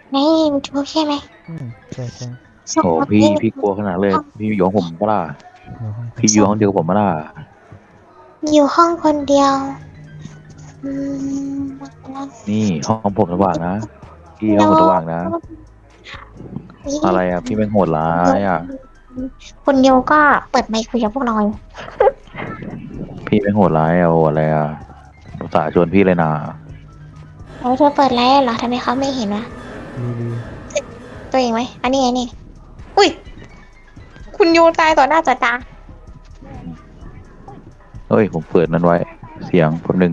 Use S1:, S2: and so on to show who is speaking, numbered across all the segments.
S1: นี่มันทุกใช่ไหม
S2: ใช่ใช่
S1: ส่ง
S3: โอ้
S1: มา
S3: พี่กลัวขนาดเลย
S1: ห้อง
S3: พี่อยู่ของผมปะล่ะ
S2: อยู่ห้องคน
S3: พี่อยู่
S1: ส่ง
S3: ห้องเดียวกับผมปะล่ะ
S1: อยู่ห้องคนเดียวอืม
S3: นี่ห้องผมสว่างนะพี่ห้
S1: โน้
S3: องผมสว่างนะ
S1: นี่
S3: อะไรอ่ะพี่เป็นโหดร้า
S1: โย
S3: ยอ่ะ
S1: คุณโยก็เปิดไมค์คุยกับพวกเราอยู่
S3: พี่เป็นโหดร้ายอ่ะโอ้อะไรอ่ะภาษาห์ชวนพี่เลยนะ
S1: แล้วเธอเปิดไลฟ์เหรอทำไมเขาไม่เห็นวะ
S2: ดี
S1: ตัวเองไหมอันนี้ไงนี่อุ้ยคุณโยตายต่อหน้าต่อตา
S3: เฮ้ยผมเปิดนั้นไว้เสียงแป๊บนึง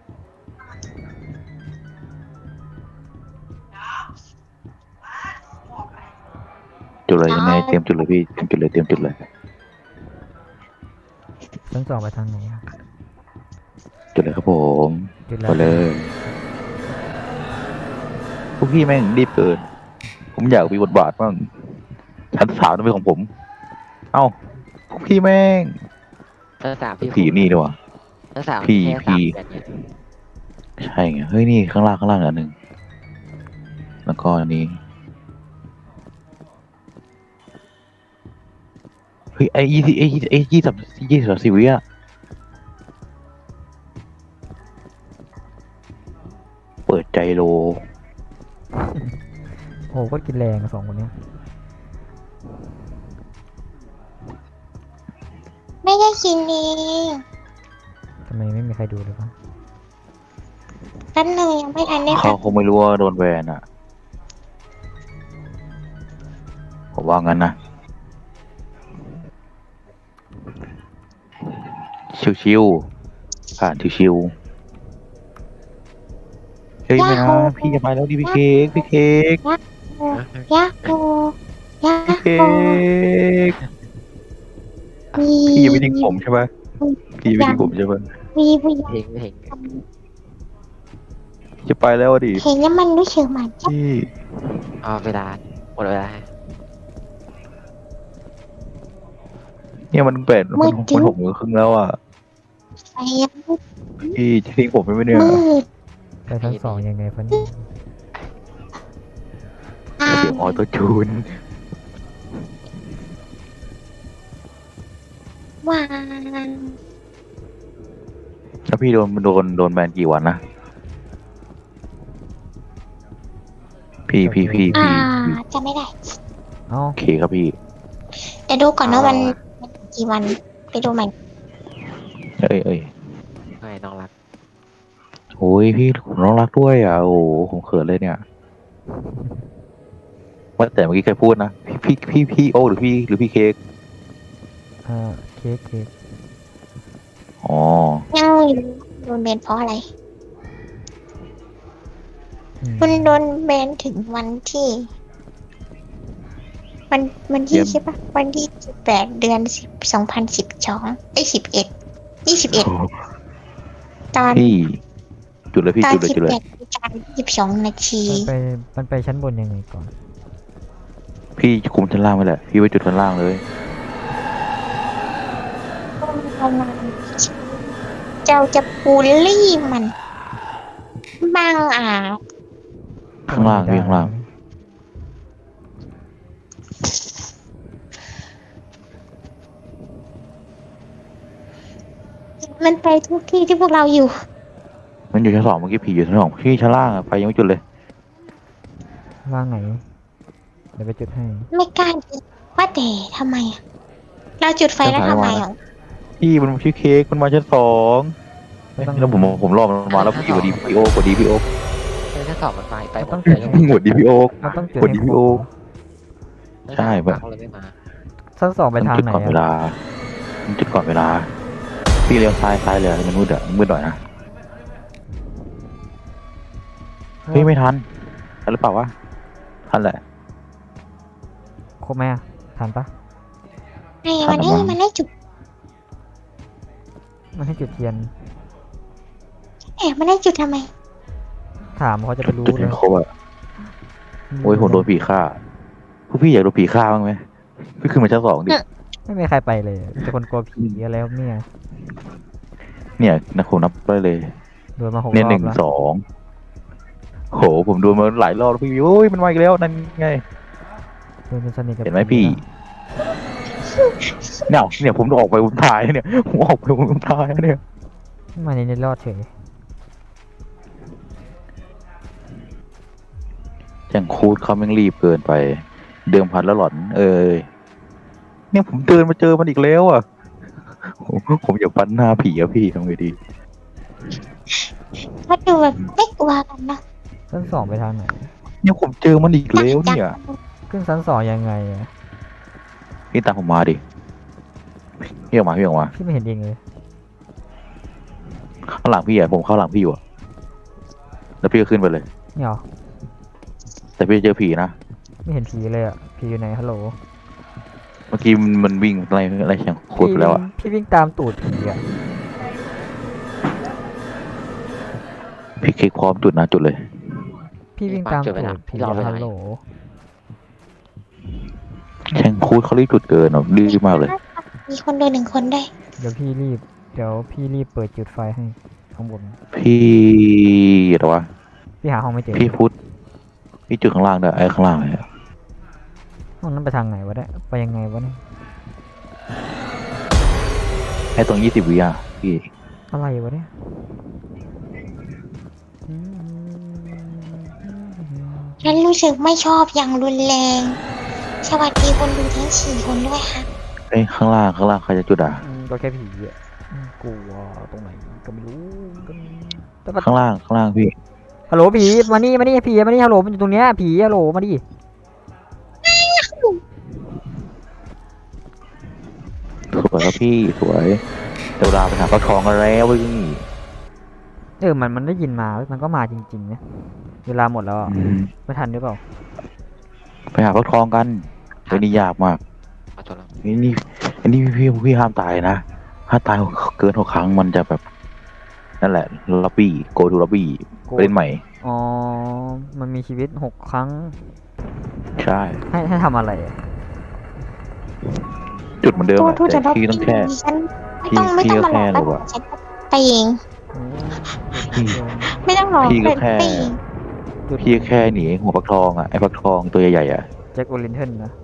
S3: จุดเลยยังไงเตรียมจุดเลยพี่เตรียมจุดเลยเตรียมจุดเลย
S2: ชั้นสองไปทางไหนอะ
S3: จุดเลยครับผม
S2: จุดแล้ว
S3: ไปเลยพวกพี่แม่งรีบเกินผมอยากมีบทบาทบ้างชั้นสามต้องเป็นของผม เอ้าพวกพี่แม่ง
S4: ชั้นสามพี่
S3: ผีนี่ดีกว่า
S4: ชั้นสาม
S3: พี่
S4: แค่
S3: พี่
S4: 3 เดือนเนี่ย
S3: ใช่ไงเฮ้ยนี่ข้างล่างอันหนึ่งแล้วก็อันนี้เฮ้ยไอ้ยี่สิบวิอะเปิดใจโล
S2: โอ้โหก็กินแรงอะสองคนเนี้ย
S1: ไม่ได้กินเอง
S2: ทำไมไม่มีใครดูเลยวะ
S1: แป๊บนึงยังไม่ทันได้
S3: เขา
S1: พัก
S3: คงไม่รู้ว่าโดนแบนอะผมว่างั้นนะชิวๆผ่านชิวๆเฮ้ยไม่นะพี่จะไปแล้วดิพี่เค้กพี่เค้ก
S1: ยาโกยา
S3: พี่เค้
S1: โก
S3: กพี่ยังไม่ทิ้งผมใช่ไหมพี่ยังไม่ทิ้งผมใช่ไหม
S1: มีผู้หญิง
S4: เพลง
S3: จะไปแล้วอะดิ
S1: เห็นแล้วมันรู้สึกเหมือนจะ
S3: พี่
S4: เอาเวลาหมดเวลา
S3: เนี่ยมันแปดมันหกโมงครึ่งแล้วอ่ะ
S1: ไฟ
S3: พี่จะทิ้งผมไปไหมเนี่ย
S1: มืด
S2: ไปชั้นสองยังไงฟันนี่
S1: ทา
S3: เสีย
S1: ง
S3: งออโต้จูน
S1: วาง
S3: แล้วพี่โดนแบนกี่วันนะพี่
S1: จะไม่ได้
S2: เอ้า
S3: โอเคครับพี่
S1: แต่ดูก่อนว่ามันกี่วันไปดูมัน
S3: เอ้ย
S4: ไม่น้องรัก
S3: โอ้ยพี่ผมน้องรักด้วยอ่ะโอ้โหผมเขินเลยเนี่ยว่าแต่เมื่อกี้ใครพูดนะพี่โอหรือพี่เค้ก
S2: เค้ก
S3: อ๋อ
S1: ยังไม่รู้โดนเบนเพราะอะไร คุณโดนเบนถึงวันที่วันที่ใช่ปะวันที่18 เดือน 10 201221ตอน
S3: พี่จุดเลยพี่
S1: ตอน
S3: จุดเลย
S1: 18 นาฬิกา 22 นาที
S2: มันไปชั้นบนยังไงก่อน
S3: พี่คุมชั้นล่างไปแหละพี่ไปจุดชั้นล่างเลย
S1: เจ้าจะบูลลี่มันบังอาจ
S3: ข้างล่างพี่ข้างล่าง
S1: มันไปทุกที่ที่พวกเราอยู่
S3: มันอยู่ชั้นสองเมื่อกี้ผีอยู่ชั้นสองพี่ชั้นล่างอะไฟยังไม่จุดเลย
S2: ล่างไหน เดี๋ยวไปจุดให้
S1: ไม่กล้าดิว่าแต่ทำไมอะเราจุดไฟแล้วทำไมอ่ะ
S3: พี่มันชื่อเค้กมันมาชั้นสอง
S2: ไม่ต้อง
S3: แล้วผมรอมันมาแล้วพี่กดดีพี่โอกดดีพี่โอ
S4: ชั้นสองมันไปหม
S2: ต้อ
S4: ด
S2: ง
S4: เลยแล้ว
S3: กดดีพี่โอ
S2: มันต้องจุด
S3: กด
S2: ให้
S3: ดี
S2: คร
S3: พี่
S2: บ
S3: โอ
S4: ชั้น
S3: ใช่
S4: สามเขาเลยไม่มา
S2: ชั้นสองไปทาง
S3: จุด
S2: ไหน
S3: ก่อนเว
S2: อะ
S3: ลามันจุดก่อนเวลา พี่เลี้ยวซ้ายเลยมันมืดอะมืดหน่อยนะเฮ้ยไม่ทันทันหรือเปล่าวะทันแหละ
S2: ครบไหมอะทันปะ
S1: ไอ้มันได้จุด
S2: มันให้จุดเทียน
S1: มันได้จุดทำไม
S2: ถามเขาจะไปรู้
S3: จุด
S2: เล
S3: ให้
S2: ย
S3: ครบอะโอ้ยผมโดนผีฆ่าพวกพี่อยากโดนผีฆ่าบ้างไหมพี่ขึ้นมาชั้นสองดิ
S2: ไม่มีใครไปเลยแต่คนกลัวผีอะไรครับเนี่ย
S3: เนี่ยนะผมนับได้เลย
S2: โดนมา6
S3: เนี่ย
S2: รอ
S3: หนึ่
S2: บ
S3: ง
S2: แล้ว
S3: สองโหผมดูมาหลายรอบแล้วพี่โอ้ยมันมาอีกแล้วนั่นไง
S2: เดินเป็นสนิทกับ
S3: เห็นไหมพี่ เนี่ยผมออกไปผมถ่ายเนี่ยผมออกไปผมถ่ายเนี่ย
S2: มาในรอดเฉย
S3: อย่างคูดเขาแม่งรีบเกินไป เดิมพันแล้วหลอน เนี่ยผมเดินมาเจอมันอีกแล้วอ่ะผมอยากฟันหน้าผีอะพี่ทำไงดี
S1: เขาดูแบบไม่กลัวกันนะ
S2: ชั้นสองไปทางไหน
S3: เนี่ยผมเจอมันอีกแล้วเนี่ย
S2: ขึ้นชั้นสองยังไงอะ
S3: พี่ตามผมมาดิพี่ออกมาพี่ออกมา
S2: พี่ไม่เห็นเองเลย
S3: ข้างหลังพี่อะผมเข้าหลังพี่อยู่อะแล้วพี่ก็ขึ้นไปเลย
S2: เนี่ยเหรอ
S3: แต่พี่เจอผีนะ
S2: ไม่เห็นผีเลยอะผีอยู่ไหนฮัลโหล
S3: เมื่อกี้มันวิ่งอะไรแข่งคูดไปแล้วอะ
S2: พี่วิ่งตามตูดผีอะ
S3: พี่คลิกพร้อมจุดนะจุดเลย
S2: พี่วิ่งตามตูดผีอะฮัลโหล
S3: แข่งคูดเขารีบจุดเกินอ่ะดื้อมากเลย
S1: มีคนดูหนึ่งคนได้
S2: เดี๋ยวพี่รีบเปิดจุดไฟให้ข้างบน
S3: พี่อะไรวะ
S2: พี่หาห้องไม่เจอ
S3: พี่พุทธพี่จุดข้างล่างด้วยไอ้ข้างล่างเลยอะ
S2: ห้องนั้นไปทางไหนวะเนี่ยไปยังไงวะเนี่ย
S3: ไอ้ตรง20 วิอ่ะพี่
S2: อะไรวะเนี่ย
S1: ฉันรู้สึกไม่ชอบอย่างรุนแรง สวัสดีคนดูทั้ง4 คนด้วยค่ะ
S3: ไอ้ข้างล่างใครจะจุดอ่ะ
S2: ก็แค่ผีอ่ะกลัวตรงไหนก็ไม่รู้แต่ว่า
S3: ข้างล่างพี่
S2: ฮัลโหลผีมานี่ผีมานี่ฮัลโหลมันอยู่ตรงเนี้ยผีฮัลโหลมาดิ
S3: สวยครับพี่สวยเดี๋ยวเวลาไปหาปลาทองกันแล้วเว้ย
S2: มันได้ยินมามันก็มาจริงๆนะเวลาหมดแล้วอะ
S3: อืม
S2: ไม่ทันหรือเปล่า
S3: ไปหาปลาทองกันเดี๋ยวนี้ยากมาก
S4: มาจนแล้ว
S3: นี่พี่ห้ามตายนะถ้าตายเกิน6 ครั้งมันจะแบบนั่นแหละล็อบบี้โกทูล็อบบี้เล่นใหม่
S2: อ๋อมันมีชีวิต6 ครั้ง
S3: ใช่
S2: ให้ทำอะไรอะ
S3: จุดเหมือนเดิม
S1: ตัว
S3: อะ
S1: ทูจะ
S3: แต่
S1: รับ
S3: พี่ต้องแค่
S1: ฉันไม่ต้องมาหลอก
S3: พี่ก็แค่
S1: แล้ว
S3: รู้อะ
S1: ฉันไปเอง
S2: โอ้
S1: ไม่ต้องหลอก
S3: พี่ก็
S1: เดิน
S3: แค่
S1: ไปเอง
S3: พี่แค่หนีหัวปลาทองอ่ะไอ้ปลาทองตัวใหญ่ๆอ่ะ
S2: แจ็คโอลินเทนนะ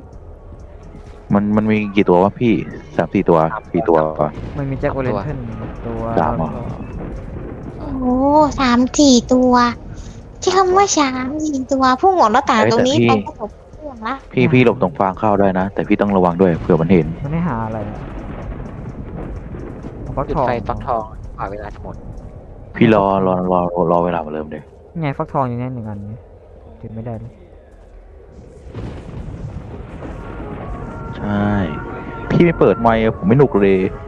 S3: มันมีกี่ตัววะพี่3-4 ตัว4 ตัว
S2: มันมีแจ็คโอลินเทนตัว
S3: สามเหรอ
S1: โอ้3-4 ตัว ที่คำว่า3-4 ตัวพุ่งออกหน้าต่างตรงนี้ไปก็จบเรื่องละ
S3: พี่หลบตรงฟางเข้าได้นะ แต่พี่ต้องระวังด้วยเผื่อมันเห็น
S2: มันไม่หาอะไรอะฟัก
S4: จุด
S2: ทอง
S4: ไฟฟักทองกว่าเวลาจะหมด
S3: พี่รอเวลามาเริ่มเลย
S2: ไงฟักทองอยู่เนี่ย1 อันนี่จุดไม่ได้เลย
S3: ใช่ พี่ไม่เปิดไมค์อะผมไม่หนุกเลย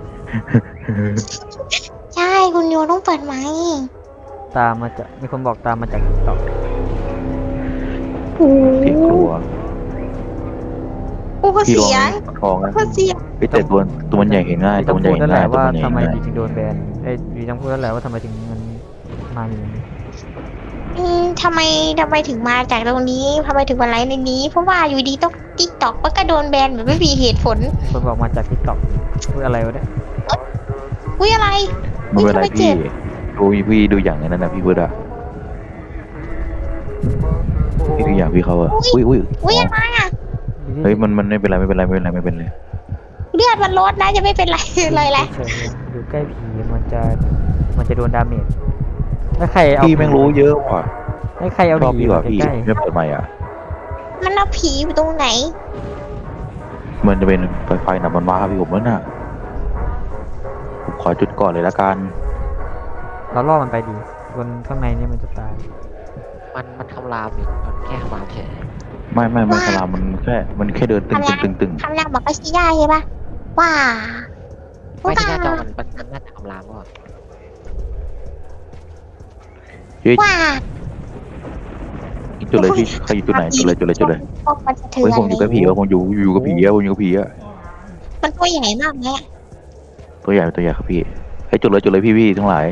S1: ใช่คุณโยต้องเปิดไหมค์
S2: ตามมาจากมีคนบอกตามมาจากติ๊กต็อก
S1: โอ้
S3: เสียงกลัว
S1: โอ้
S3: พี่ลอง
S1: เสียง
S3: ปลาทองนะ
S1: โอ้เสียง
S3: แต่ตัวมันใหญ่เห็นง่ายตัว
S2: ต้อง
S3: มันใหญ่
S2: พูด
S3: เห็
S2: นั่
S3: น
S2: นแห
S3: ง่าย
S2: ละ
S3: ตัว
S2: ว่า
S3: มันใหญ่
S2: ทำไม
S3: เห็นง่าย
S2: ถึงโดนแบนดีต้องพูดนั่นแหละว่าทำไมถึงมันมาอย่างนี้
S1: ทำไมถึงมาจากตรงนี้ทำไมถึงมาไลฟ์ในนี้ เพราะว่าอยู่ดีต้องติ๊กต็อกก็โดนแบนแบบไม่มีเหตุผล
S2: คนบอกมาจากติ๊กต็อกพูดอะไรวะเนี่ย
S1: อุ้ยอะไร
S3: ไม่เป็นไร
S1: ทำไมเจ็
S3: พี่
S1: บ
S3: ดูอย่างนั้นนะพี่พูดอะพี่ดูอย่างพี่เขาอะอุ้ย
S1: อุ้ยอะไรอ่ะ
S3: เฮ้ยมันไม่เป็นไรไม่เป็นไร
S1: เลือดมันลดนะจะไม่เป็นไรเลยแหละ
S2: เฉยๆอยู่ใกล้ผีมันจะโดนดาเมจถ้าใครเอา
S3: พี่แม่งรู้เยอะว่ะ
S2: ให้ใครเอา
S3: ชอบ
S2: ผี
S3: พี่กว่าพี่
S2: ใกล้
S3: ไม่เปิดไมค์อะ
S1: มันเอาผีอยู่ตรงไหน
S3: มันจะเป็นไฟหนักมันมาพี่ผมแล้วน่ะผมขอจุดก่อนเลยละกัน
S2: ๆเราล่อมันไปดีคนข้างในเนี่ยมันจะตาย
S4: มันคำรามอยู่มันแค่คำรามเฉย
S3: ไม่สลามมันแค่เดินตึง
S1: คำนามบอกก็ชี้ได้ใช่ปะว่า
S4: ไม่ที่หน้าจอมันน่าจะคำรามว่า
S3: เฮ้ย
S1: ว่า
S3: จุดเลยพี่ใครอยู่จุดไหนจุดเลย
S1: พวกมันจะเถื่
S3: เฮ้ย
S1: อน
S3: ผมอยู่กับผีผมอยู่กับผีผมอยู่กับผีอะ
S1: มันตัวใหญ่มากไหมอะ
S3: ตัวใหญ่ครับพี่ให้จุดเลยพี่ทั้งหลาย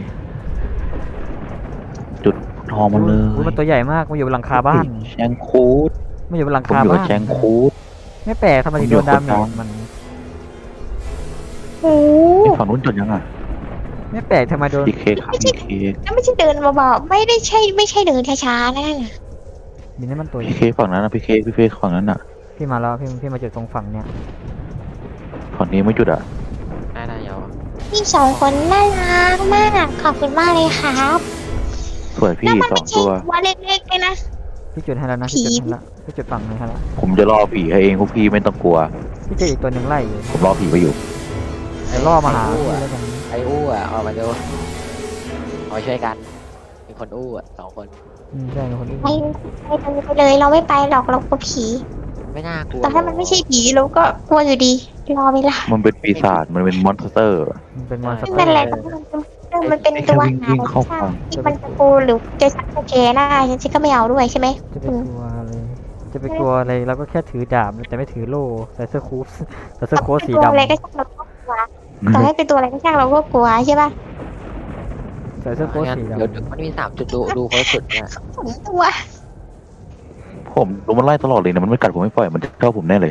S3: จุดทองมันเลย
S2: อุ๊ยมันตัวใหญ่มากมันอยู่บนหลังคาบ้าน
S3: แชงคูด
S2: มันอยู่บนหลัง
S3: ผม
S2: คา
S3: อยู่กั
S2: บ้า
S3: บ
S2: น
S3: แชงคูด
S2: ไม่แปลกทำไมถึงโดนดาเมจมัน
S1: โอ้
S3: ไอ้ฝั่งนู้นจุดยังอ่ะ
S2: ไม่แปลกทำไมโดน
S3: พี่เคครับพี่เค
S1: แล้วไม่ใช่เดินเบาๆไม่ใช่เดินช้าๆนะนั่นน่ะ
S2: บินนี่มันตัว
S3: พี่เคฝั่งนั้นนะพี่เคฝั่งนั้นอ่ะ
S2: พี่มาแล้วพี่มาจุดตรงฝั่งเนี้ย
S3: ฝั่งนี้ไม่จุดอ่ะ
S4: ได้เยาว
S1: พี่สองคนน่ารักมากขอบคุณมากเลยครับ
S3: สวยพี่
S1: แล้วมัน
S3: สอ
S1: ไม่
S3: ง
S1: ใช่
S3: ตัว
S1: ตัวเล็กๆเลยนะ
S2: พี่จุดให้แล้วนะพี่จุดให้แล้วพี่จุดฝั่งนึงให้แล้ว
S3: ผมจะล่อผีให้เองพวกพี่ไม่ต้องกลัว
S2: พี่เจออีกตัวหนึ่งไล่อยู่
S3: ผมล่อผีไว้อยู่
S2: เดี๋ยวล่อมาหาพี่แล้วกัน
S4: ไอ้อู้อ่ะออกมาดูเอาไปช่วยกันมีคนอู้อ่ะ2 คน
S2: ใช่คนอื่น
S1: ไปเลยเราไม่ไปหรอกเรากลัวผี
S4: ไม่น่ากลัว
S1: แต่ถ้ามันไม่ใช่ผีเราก็กลัวอยู่ดีรอเวลา
S3: มันเป็นปีศาจมันเป็นมอนสเตอร์
S2: มันเป็นมอนส
S1: ไม่
S2: เตอ
S1: เป็น
S2: ร์
S1: ไรมันเป็นตัวหา
S3: วิ่งเข้าฝั่ง
S1: ที่มันจะกูหรือจะชักโอเคหน้าฉันก็ไม่เอาด้วยใช่ไหม
S2: จะไปกลัวอะไรจะไปกลัวอะไรเราก็แค่ถือดาบแต่ไม่ถือโล่ใส่เสื้อคูฟใส่เสื้อโค้ทสี
S1: ตัว
S2: ดำ
S1: อะไรก็ช่างเราก็กลัวต่อให้เป็นตัวอะไรก็ช่างเราก็กลัวใช่ป่ะ
S2: ใส่เสื้อโค้ท
S4: งั้น
S2: สี
S4: เดี๋ยว
S2: ดำ
S4: มันมี3 จุดดูเขาสุดเนี่ย
S1: สองตัว
S3: ผมโดนมันไล่ตลอดเลยนะมันไม่กัดผมไม่ปล่อยมันชอบผมแน่เลย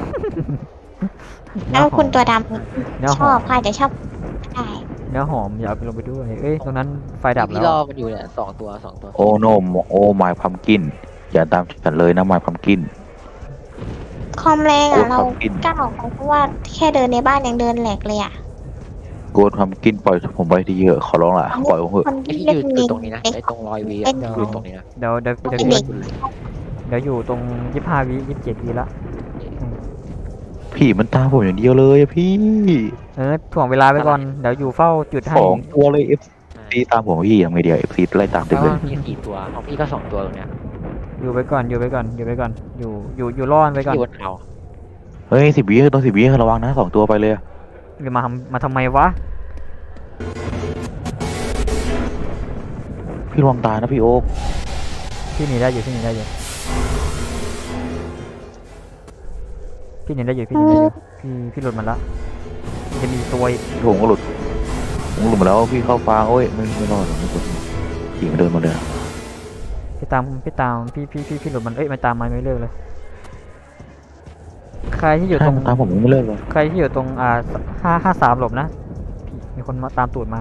S1: แล้วคุณตัวด
S2: เนื้อ
S1: ำช
S2: ห
S1: อ
S2: อบ ม
S1: ค่ะจะชอบได้
S2: เนื้อหอมอย่าเอาไปลงไปด้วยเอ้ยตรงนั้นไฟดับแล้
S4: พี่
S2: ว
S4: รอมันอยู่เนี่ย2 ตัว
S3: โอ้โนโอ้ไมพัมกินอย่าตามฉันเลยนะไมพัมกิน
S1: คอมแรง
S3: โก
S1: อ่ะ
S3: ด
S1: เรา
S3: พัมกิน
S1: กล้าออกไปเพราะว่าแค่เดินในบ้านยังเดินแหลกเลยอ่ะ
S3: โกดพัมกินปล่อยผมไปทีขอร้องล่ะปล่อยผมเถอะ
S1: คน
S4: ไอ้
S1: ที่
S4: พี่
S1: เล่น
S4: ยืน
S1: เล็ก
S4: ตรงนี้นะไอ้ตรงรอยวียืนตรงนี้นะ
S2: เดี๋ยว
S1: เป็นเด็ก
S2: เดี๋ยวอยู่ตรง25 วิ27 วิละ
S3: ผีมันตามผมอย่างเดียวเลยอะพี่
S2: ถ่วงเวลาไปก่อนเดี๋ยวอยู่เฝ้าจุดให้
S3: 2 ตัวเลยเอฟซีตามผมพี่ยังไงเดียวเอฟซีไล่ตาม
S4: แป
S3: เต็
S4: ล
S3: มเล
S4: ว่าย มี4 ตัวของพี่ก็2 ตัวตรงเนี้ย
S2: อยู่ไปก่อนอยู่รอดไปก่อน
S4: อยู่บนเขา
S3: เฮ้ย10 วิต้อง10 วิระวังนะ2 ตัวไปเลยอะ
S2: หรือมาทำไมวะ
S3: พี่ระวังตายนะพี่โอ๊ค
S2: พี่หนีได้อยู่พี่หนีได้อยู่พี่หลุดมันละมันจะมีตัวอีก
S3: ผมก็หลุดมาแล้วพี่เข้าฟางโอ้ยไม่รอดหรอกไม่กดผีมันเดินมาเลยอะ
S2: พี่ตามพี่หลุดมันมันตามมาไม่เลิกเลยใครที่อยู่
S3: ใช่
S2: ตรง
S3: มันตามผมไม่เลิกเลย
S2: ใครที่อยู่ตรง553หลบนะมีคนมาตามตูดมา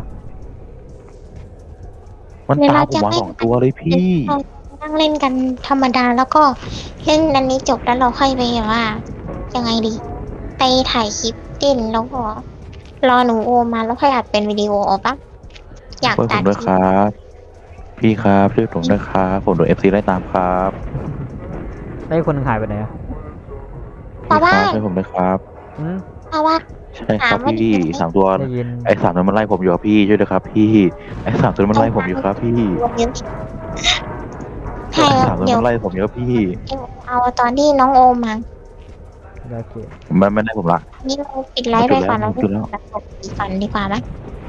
S3: มันตามผมมา2 ตัวเลยพี่
S1: นั่งเล่นกันธรรมดาแล้วก็เล่นอันนี้จบแล้วเราค่อยไปแบบว่า ยังไงดี ไปถ่ายคลิปเต้นแล้วก็รอหนูโอมมาแล้วค่อยอัดเป็นวิดีโอออกปะอยาก
S3: ช่วยผ
S1: ตั
S3: ม
S1: ด
S3: ด้วยครับ พี่ครับช่วยผมด้วยครับผมโดน FC ไล่ตามครับ
S2: ได้วคนหนึงหายไปไหนอะ
S3: พี่ครับช่วยผมด้วยครับ
S2: อืม
S1: เพราะว่า
S3: ใช่ครับพี่3 ตัว
S2: ได้ยิน
S3: ไอ้3นั้นมันไล่ผมอยู่ครับพี่ช่วยด้วยครับพี่ไอ้3ตัวนั้นมันไล่ผมอยู่ครับพี่
S1: วันนี้
S3: ไอ้
S1: ใช่
S3: 3ตัว
S1: เดี๋ยว
S3: มันไล่ผมอยู่ครับพี่
S1: เอาตอนที่น้องโอมมา
S2: โอเค
S3: มันไม่ได้ผมละ
S1: นี่เราปิดไลฟ์ไปก่อนแล้ว
S3: จุดแล้ว
S1: ตัดจบก่อนดีกว่าไหม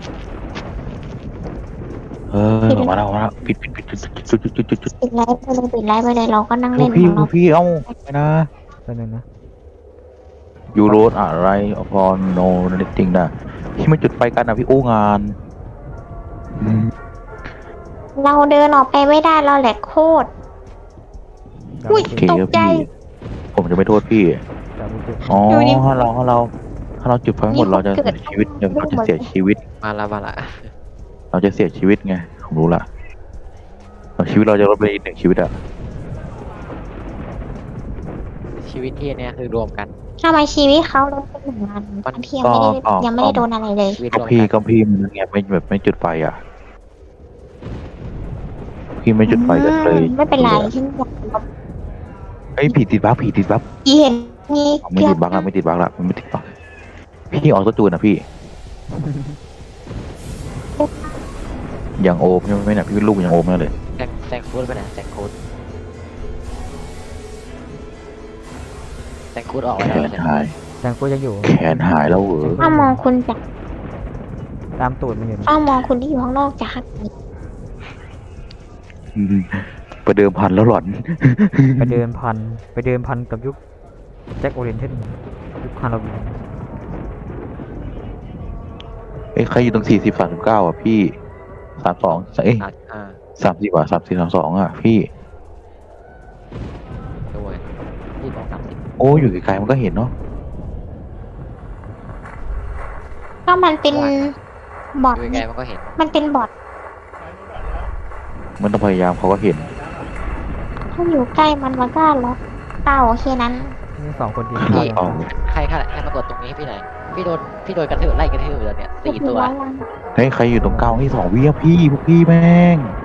S3: ออกมาแล้วปิดจุด
S1: ปิดไลฟ์ไปเลยเราก็นั่งเล่นข
S3: พี่
S1: องเรา
S3: พี่เอ้าไปนะ
S2: ตัวนึงนะ
S3: ยูโรดอะไรพอโนนิติงนะที่ไม่จุดไฟกันนะพี่โอ้งาน
S1: เราเดินออกไปไม่ได้เราแหลกโคตร อุ้ย
S3: โอเค
S1: ตก
S3: ครับ
S1: ใจ
S3: พี่ผมจะไม่โทษพี่ อ๋อ
S1: อยู่นี่
S3: ถ้าเราจุดไฟหมดเราจะเสียชีวิตเราจะเสียชีวิต
S4: มาละ
S3: เราจะเสียชีวิตไงผมรู้ละชีวิตเราจะลดไปอีก1 ชีวิตอะ
S4: ชีวิตที่เนี่ยคือรวมกัน
S1: ทำไมชีวิตเขาลดเป็นหนึ่งวันตอนที่ยังไม่ได้โดนอะไรเลย
S4: ชีวิต
S3: ก็
S4: รวม
S3: พี่
S4: กัน
S3: ก็พี่มันไงไม่แบบไม่จุดไฟอ่ะ พี่ไม่จุดไฟกันเลย
S1: ไม่เป็นไรฉันอยาก
S3: ไอ้ยผีติดบั๊ก
S1: เห็นนี่
S3: ไม่ติดบั๊กละไม่ติดบั๊กละมันไม่ติดบั๊กพี่ออกตัวจูนนะพี่ อย่างโอมใช่ไหมเนี่ยพี่เป็นลูกอย่างโอมนั่นเลย
S4: แซงโค้ดไปไหนแซงโค้ดออกไป
S3: แข
S4: แล้ว
S3: นหาย
S2: แตงกูยังอยู่
S3: แขนหายแล้วเหรอ
S1: ถ้ามองคุณจาก
S2: ตามตูดมันอยู่นะ
S1: ถ้ามองคุณที่อยู่ข้างนอกจาก
S3: อืมประเดิมพันแล้วหลอน
S2: ไปเดินพันกับยุคแจ็คโอเรนเทนยุคฮาโลวีน
S3: เอ้ยใครอยู่ตรง40 39อ่ะพี่32เอ้ย 30อ่ะ34 32อ่ะพี่
S4: ด้วยที่ตรง30
S3: โอ้อยู่ไกลๆมันก็เห็นเนาะ
S1: ถ้ามันเป็นบอท
S4: ดูไกลๆมันก็เห็น
S1: มันเป็นบอท
S3: มันต้องพยายามเขาก็เห็น
S1: ถ้าอยู่ใกล้มันก็ล็อกเต่าแค่นั้น
S2: นี่2 คนกินข้าวยัง
S3: เอา
S4: ใครมากดตรงนี้ให้พี่หน่อยพี่โดนกระทืบไล่กระทืบอยู่แล้วเนี่ย4 ตัว
S1: เรียบร้อยแล้ว
S3: เฮ้ยใครอยู่ตรงเก้าให้2 วิอะพี่พวกพี่แม่ง